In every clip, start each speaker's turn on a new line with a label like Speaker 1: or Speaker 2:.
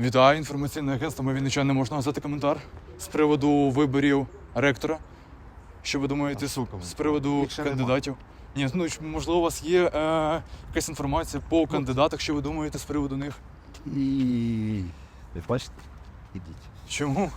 Speaker 1: Вітаю, інформаційне агентство «Ми Вінничани». Можна назвати коментар з приводу виборів ректора? Що ви думаєте з приводу кандидатів? Ні, ну, можливо, у вас є якась інформація по кандидатах, що ви думаєте з приводу них?
Speaker 2: І ви бачите? Ідіть.
Speaker 1: Чому?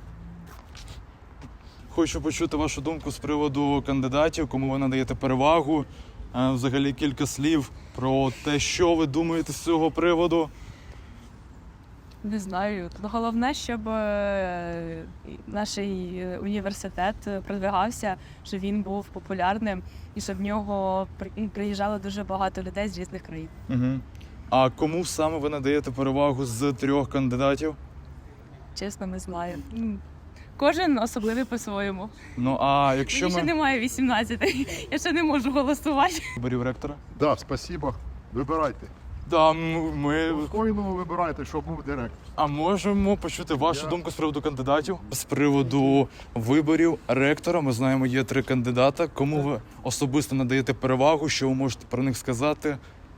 Speaker 1: Хочу почути вашу думку з приводу кандидатів, кому ви надаєте перевагу. Взагалі кілька слів про те, що ви думаєте з цього приводу.
Speaker 3: Не знаю. Головне, щоб наш університет продвигався, щоб він був популярним і щоб в нього приїжджало дуже багато людей з різних країн.
Speaker 1: Угу. А кому саме ви надаєте перевагу з 3 кандидатів?
Speaker 3: Чесно, не знаю. Кожен особливий по-своєму.
Speaker 1: Ну, а якщо
Speaker 3: Мені ще немає 18, я ще не можу голосувати.
Speaker 1: виборів ректора?
Speaker 4: Да, спасибо. Вибирайте.
Speaker 1: Да, ми...
Speaker 4: Спокійно вибирайте, щоб був директор.
Speaker 1: А можемо почути вашу думку з приводу кандидатів? З приводу виборів ректора, ми знаємо, є 3 кандидата. Кому ви особисто надаєте перевагу, що ви можете про них сказати?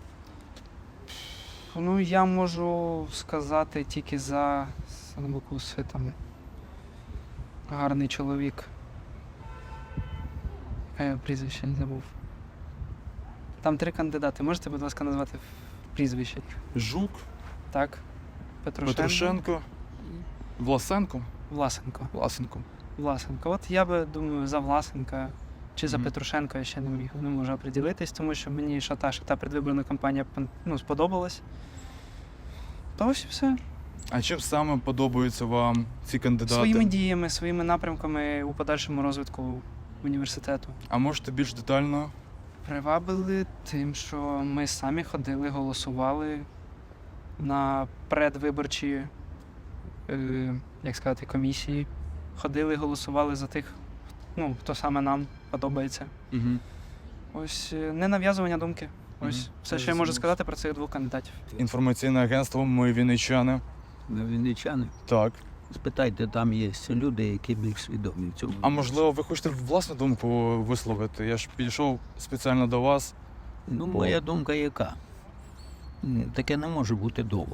Speaker 5: Ну, я можу сказати тільки за Санбукуси, там гарний чоловік. Прізвище не забув. Там 3 кандидати. Можете, будь ласка, назвати прізвище?
Speaker 1: Жук,
Speaker 5: Так.
Speaker 1: Петрушенко, Власенко?
Speaker 5: Власенко. Власенко. От я би думаю за Власенка чи за Петрушенка я ще не можу оприділитись, тому що мені що та предвиборна кампанія сподобалась. То ось і все.
Speaker 1: А чим саме подобаються вам ці кандидати?
Speaker 5: Своїми діями, своїми напрямками у подальшому розвитку університету.
Speaker 1: А можете більш детально?
Speaker 5: Привабили тим, що ми самі ходили, голосували на предвиборчі, як сказати, комісії. Ходили, голосували за тих, хто саме нам подобається.
Speaker 1: Угу.
Speaker 5: Ось не нав'язування думки. Ось все, що я можу сказати про цих 2 кандидатів.
Speaker 1: Інформаційне агентство «Ми Вінничани».
Speaker 2: Ми вінничани.
Speaker 1: Так.
Speaker 2: Спитайте, там є люди, які більш свідомі в цьому.
Speaker 1: А можливо, ви хочете власну думку висловити? Я ж підійшов спеціально до вас.
Speaker 2: Ну, моя думка яка? Таке не може бути довго.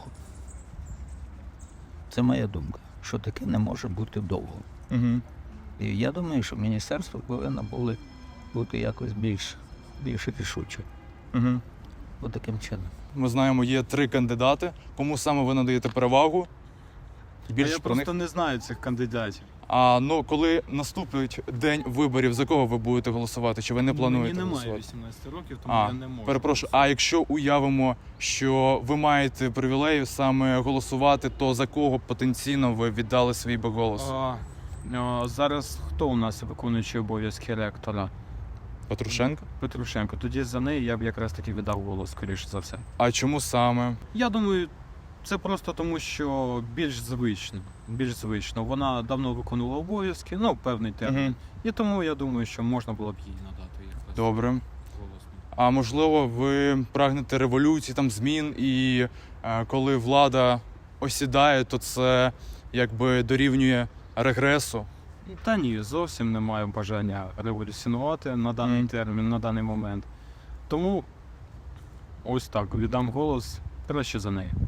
Speaker 2: Це моя думка, що таке не може бути довго.
Speaker 1: Угу.
Speaker 2: І я думаю, що міністерство повинно бути якось більш рішуче.
Speaker 1: Угу.
Speaker 2: Отаким чином.
Speaker 1: Ми знаємо, є 3 кандидати. Кому саме ви надаєте перевагу? Більше
Speaker 6: Я
Speaker 1: про них.
Speaker 6: просто не знаю цих кандидатів.
Speaker 1: А коли наступить день виборів, за кого ви будете голосувати? Чи ви не плануєте
Speaker 6: Мені немає
Speaker 1: голосувати?
Speaker 6: 18 років, тому
Speaker 1: А,
Speaker 6: я не можу.
Speaker 1: перепрошую. А якщо уявимо, що ви маєте привілею саме голосувати, то за кого потенційно ви віддали свій би голос?
Speaker 6: Зараз хто у нас виконуючий обов'язки ректора?
Speaker 1: Петрушенко?
Speaker 6: Петрушенко. Тоді за неї я б якраз таки віддав голос, скоріше за все.
Speaker 1: А чому саме?
Speaker 6: Я думаю, це просто тому, що більш звично. Вона давно виконувала обов'язки, певний термін.
Speaker 1: Угу.
Speaker 6: І тому я думаю, що можна було б їй надати якраз
Speaker 1: Добре.
Speaker 6: голос.
Speaker 1: А можливо, ви прагнете революції, там змін, і коли влада осідає, то це якби дорівнює регресу?
Speaker 6: Та ні, зовсім не маю бажання революціонувати на даний термін, на даний момент. Тому ось так, віддам голос краще за неї.